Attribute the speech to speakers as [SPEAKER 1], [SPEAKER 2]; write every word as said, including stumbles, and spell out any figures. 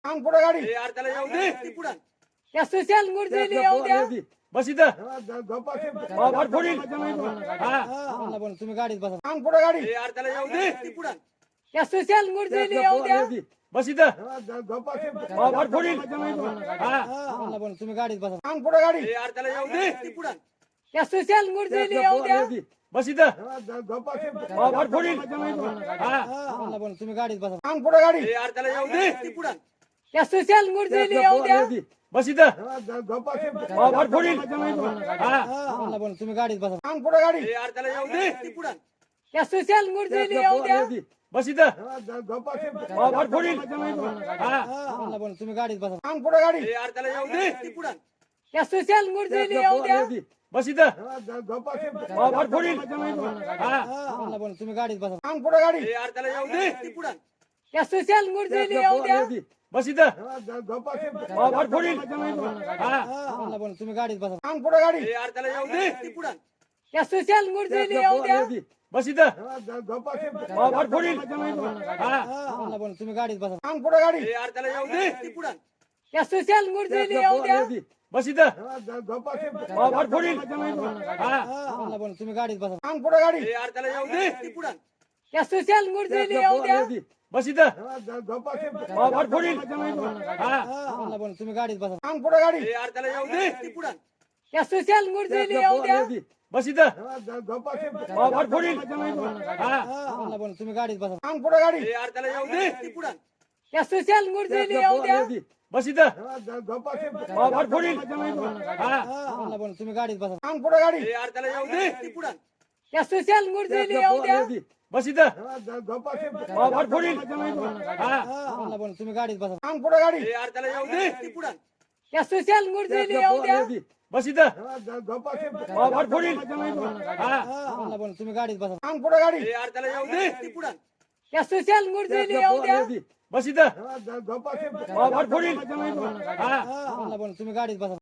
[SPEAKER 1] अंग पुढे गाडी
[SPEAKER 2] ए, यार त्याला येऊ दे ती पुढं.
[SPEAKER 3] या सुशांत गुरुजीला येऊ द्या.
[SPEAKER 2] बस इथं
[SPEAKER 1] अंग
[SPEAKER 2] फोडील. हा
[SPEAKER 3] तुम्ही गाडीत बसा.
[SPEAKER 1] पुढे गाडी
[SPEAKER 2] ए, यार त्याला येऊ दे ती पुढं.
[SPEAKER 3] या सुशांत गुरुजीला येऊ द्या.
[SPEAKER 2] बस इथं फोडील. हा
[SPEAKER 3] तुम्ही गाडीत बसा.
[SPEAKER 1] अंग पुढे गाडी
[SPEAKER 2] ए, यार त्याला येऊ दे ती पुढं.
[SPEAKER 3] या सुशांत गुरुजीला येऊ द्या.
[SPEAKER 2] बस इथं फोडील. हा
[SPEAKER 3] तुम्ही गाडीत बसा.
[SPEAKER 1] अंग पुढे गाडी
[SPEAKER 2] ए, यार त्याला येऊ दे ती पुढं.
[SPEAKER 3] या सुशांत गुरुजीला येऊ द्या.
[SPEAKER 2] बस इथं फोडील. हा
[SPEAKER 3] तुम्ही गाडीत बसा.
[SPEAKER 1] अंग पुढे गाडी
[SPEAKER 2] ए, यार त्याला येऊ दे ती पुढं.
[SPEAKER 3] या सुशांत गुरुजीला येऊ द्या.
[SPEAKER 2] बस इथं फोडील. हा
[SPEAKER 3] तुम्ही गाडीत बसा.
[SPEAKER 1] अंग पुढे गाडी
[SPEAKER 2] ए, यार त्याला येऊ दे ती पुढं.
[SPEAKER 3] या सुशांत गुरुजीला येऊ द्या.
[SPEAKER 2] बस इथं फोडील. हा
[SPEAKER 3] तुम्ही गाडीत बसा.
[SPEAKER 1] अंग पुढे गाडी
[SPEAKER 2] ए, यार त्याला येऊ दे ती पुढं.
[SPEAKER 3] या सुशांत गुरुजीला येऊ द्या.
[SPEAKER 2] बस इथं फोडील. हा
[SPEAKER 3] तुम्ही गाडीत बसा.
[SPEAKER 1] अंग पुढे गाडी
[SPEAKER 2] ए, यार त्याला येऊ दे ती पुढं.
[SPEAKER 3] या सुशांत गुरुजीला येऊ द्या.
[SPEAKER 2] बस इथं फोडील. हा
[SPEAKER 3] तुम्ही गाडीत बसा.
[SPEAKER 1] अंग पुढे गाडी
[SPEAKER 2] ए, यार त्याला येऊ दे ती पुढं.
[SPEAKER 3] या सुशांत गुरुजीला येऊ द्या.
[SPEAKER 2] बस इथं फोडील. हा
[SPEAKER 3] तुम्ही गाडीत बसा.
[SPEAKER 1] अंग पुढे गाडी
[SPEAKER 2] ए, यार त्याला येऊ दे ती पुढं.
[SPEAKER 3] या सुशांत गुरुजीला येऊ द्या.
[SPEAKER 2] बस इथं फोडील. हा
[SPEAKER 3] तुम्ही गाडीत बसा.
[SPEAKER 1] अंग पुढे गाडी
[SPEAKER 2] ए, यार त्याला येऊ दे ती पुढं.
[SPEAKER 3] या सुशांत गुरुजीला येऊ द्या.
[SPEAKER 2] बस इथं फोडील. हा
[SPEAKER 3] तुम्ही गाडीत बसा.
[SPEAKER 1] अंग पुढे गाडी
[SPEAKER 2] ए, यार त्याला येऊ दे ती पुढं.
[SPEAKER 3] या सुशांत गुरुजीला येऊ द्या.
[SPEAKER 2] बस इथं फोडील. हा
[SPEAKER 3] तुम्ही गाडीत बसा.
[SPEAKER 1] अंग पुढे गाडी
[SPEAKER 2] ए, यार त्याला येऊ दे ती पुढं.
[SPEAKER 3] या सुशांत गुरुजीला येऊ द्या.
[SPEAKER 2] बस इथं फोडील. हा
[SPEAKER 3] तुम्ही गाडीत बसा.
[SPEAKER 1] अंग पुढे गाडी
[SPEAKER 2] ए, यार त्याला येऊ दे ती पुढं.
[SPEAKER 3] या सुशांत गुरुजीला येऊ द्या.
[SPEAKER 2] बस इथं फोडील. हा
[SPEAKER 3] तुम्ही गाडीत बसा.
[SPEAKER 1] अंग पुढे गाडी
[SPEAKER 2] ए, यार त्याला येऊ दे ती पुढं.
[SPEAKER 3] या सुशांत गुरुजीला येऊ द्या.
[SPEAKER 2] बस इथं फोडील. हा
[SPEAKER 3] तुम्ही गाडीत बसा.